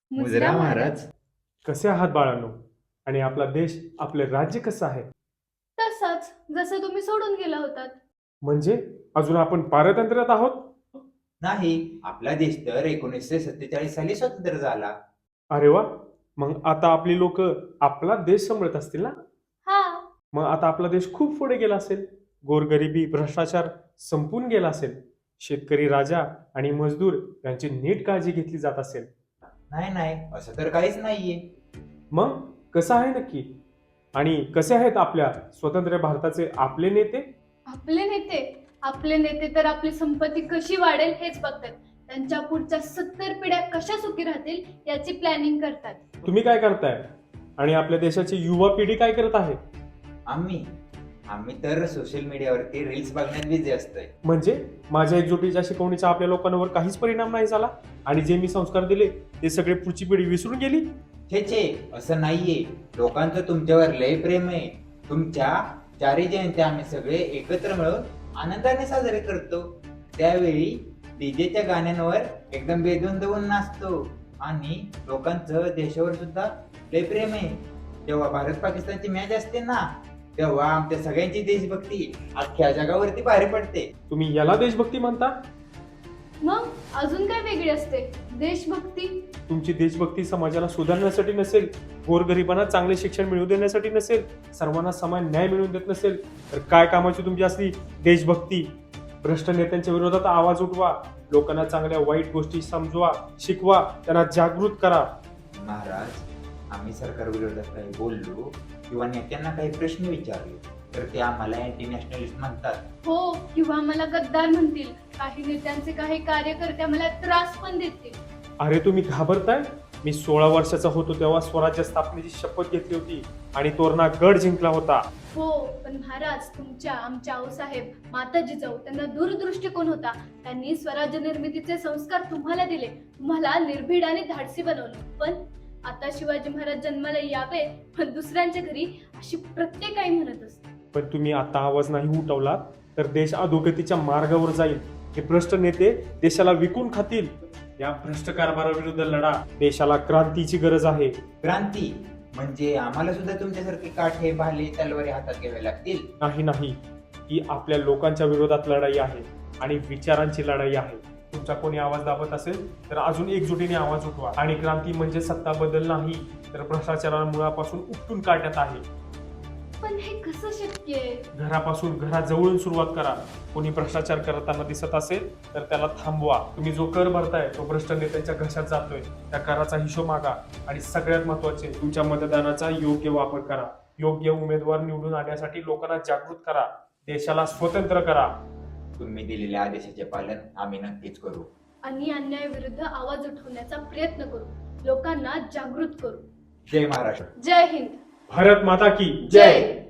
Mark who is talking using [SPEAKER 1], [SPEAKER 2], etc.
[SPEAKER 1] मुजरा महाराज.
[SPEAKER 2] कसे आहात बाळांनो? आणि आपला देश, आपले राज्य कसं आहे?
[SPEAKER 3] तसंच जसं तुम्ही सोडून गेला होतात.
[SPEAKER 2] म्हणजे अजून आपण पारतंत्र्यात आहोत?
[SPEAKER 1] नाही, आपला देश तर 1947 साली स्वतंत्र झाला.
[SPEAKER 2] अरे वा, मग आता आपली लोक आपला देश सांभाळत असतील ना?
[SPEAKER 3] हा.
[SPEAKER 2] मग आता आपला देश खूप पुढे गेला असेल. गोरगरिबी, भ्रष्टाचार संपून गेला असेल. शेतकरी राजा आणि मजदूर यांची नीट काळजी घेतली जात असेल.
[SPEAKER 1] नाही नाही, असं तर काहीच नाहीये.
[SPEAKER 2] मग कसं आहे नक्की? आणि कसे आहेत आपल्या स्वतंत्र भारताचे आपले नेते?
[SPEAKER 3] आपले नेते तर आपली संपत्ती कशी वाढेल हेच बघतात. त्यांच्या पुढच्या 70 पिढ्या कशा सुखी राहतील याची प्लॅनिंग करतात.
[SPEAKER 2] तुम्ही काय करताय? आणि आपल्या देशाची युवा पिढी काय करत आहे?
[SPEAKER 1] आम्ही आम्ही तर सोशल मीडियावरती रील्स बघण्यात बिझी असतोय.
[SPEAKER 2] म्हणजे माझ्या एकजुटीच्या शिकवणीचा आपल्या लोकांवर काहीच परिणाम नाही झाला? आणि जे मी संस्कार दिले ते सगळे पुढची पिढी विसरून गेली?
[SPEAKER 1] छे, असं नाहीये. लोकांचं तुमच्यावर लय प्रेम आहे. तुमच्या चारही जयंत्या आम्ही सगळे एकत्र मिळून आनंदाने साजरे करतो. त्यावेळी डीजेच्या गाण्यांवर एकदम बेधून देऊन नाचतो. आणि लोकांचं देशावर सुद्धा लय प्रेम आहे. जेव्हा भारत पाकिस्तानची मॅच असते ना, तेव्हा आमच्या सगळ्यांची देशभक्ती अख्ख्या जगावरती बाहेर पडते.
[SPEAKER 2] तुम्ही याला देशभक्ती म्हणता?
[SPEAKER 3] मग अजून काय वेगळी असते देशभक्ती?
[SPEAKER 2] तुमची देशभक्ती समाजाला सुधारण्यासाठी नसेल, गोरगरिबांना चांगले शिक्षण मिळवून देण्यासाठी नसेल, सर्वांना समान न्याय मिळवून देत नसेल, तर काय कामाची तुमची असली देशभक्ती? भ्रष्ट नेत्यांच्या विरोधात आवाज उठवा, लोकांना चांगल्या वाईट गोष्टी समजवा, शिकवा, त्यांना जागृत करा.
[SPEAKER 1] महाराज, आम्ही सरकार विरोधात काही बोललो किंवा नेत्यांना काही प्रश्न विचारले तर ते आम्हाला अँटी नॅशनलिस्ट म्हणतात.
[SPEAKER 3] हो, किंवा मला गद्दार म्हणतील. काही नेत्यांचे काही कार्यकर्ते मला त्रास पण देतील.
[SPEAKER 2] अरे तुम्ही घाबरताय? मी 16 वर्षाचा होतो तेव्हा स्वराज्य स्थापनेची शपथ घेतली होती आणि तोरणा गड जिंकला होता.
[SPEAKER 3] हो, पण महाराज तुमच्या आमच्या आऊसाहेब माता जिजाऊ त्यांना दूरदृष्टिकोन होता. त्यांनी स्वराज्य निर्मितीचे संस्कार तुम्हाला दिले, तुम्हाला निर्भीड आणि धाडसी बनवलं. पण आता शिवाजी महाराज जन्माला यावे पण दुसऱ्यांच्या घरी, अशी प्रत्येक आई म्हणत असते.
[SPEAKER 2] पण तुम्ही आता आवाज नाही उठवलात तर देश अधोगतीच्या मार्गावर जाईल. हे भ्रष्ट नेते देशाला विकून खातील. या भ्रष्ट कारभाराविरुद्ध लढा. देशाला क्रांतीची गरज आहे.
[SPEAKER 1] क्रांती म्हणजे आम्हाला सुद्धा तुमच्यासारखे काठे, भाले, तलवारी हातात घ्यावे लागतील?
[SPEAKER 2] नाही, ही आपल्या लोकांच्या विरोधात लढाई आहे आणि विचारांची लढाई आहे. तुमचा कोणी आवाज दाबत असेल तर अजून एकजुटीने आवाज उठवा. आणि क्रांती म्हणजे सत्ता बदल नाही, तर भ्रष्टाचाराला मुळापासून उपटून काढण्यात आहे.
[SPEAKER 3] पण हे कसं शक्य आहे?
[SPEAKER 2] घरापासून, घराजवळून सुरुवात करा. कोणी भ्रष्टाचार करताना दिसत असेल तर त्याला थांबवा. तुम्ही जो कर भरताय तो भ्रष्ट नेत्यांच्या घशात जातोय, त्या कराचा हिशोब मागा. आणि सगळ्यात महत्त्वाचे, तुमच्या मतदानाचा योग्य वापर करा. योग्य उमेदवार निवडून आणण्यासाठी लोकांना जागृत करा. देशाला स्वतंत्र करा.
[SPEAKER 1] तुम्ही दिलेल्या आदेशाचे पालन आम्ही नक्कीच करू.
[SPEAKER 3] आणि अन्यायाविरुद्ध आवाज उठवण्याचा प्रयत्न करू. लोकांना जागृत करू.
[SPEAKER 1] जय महाराष्ट्र.
[SPEAKER 3] जय हिंद.
[SPEAKER 2] भारत माता की
[SPEAKER 1] जय.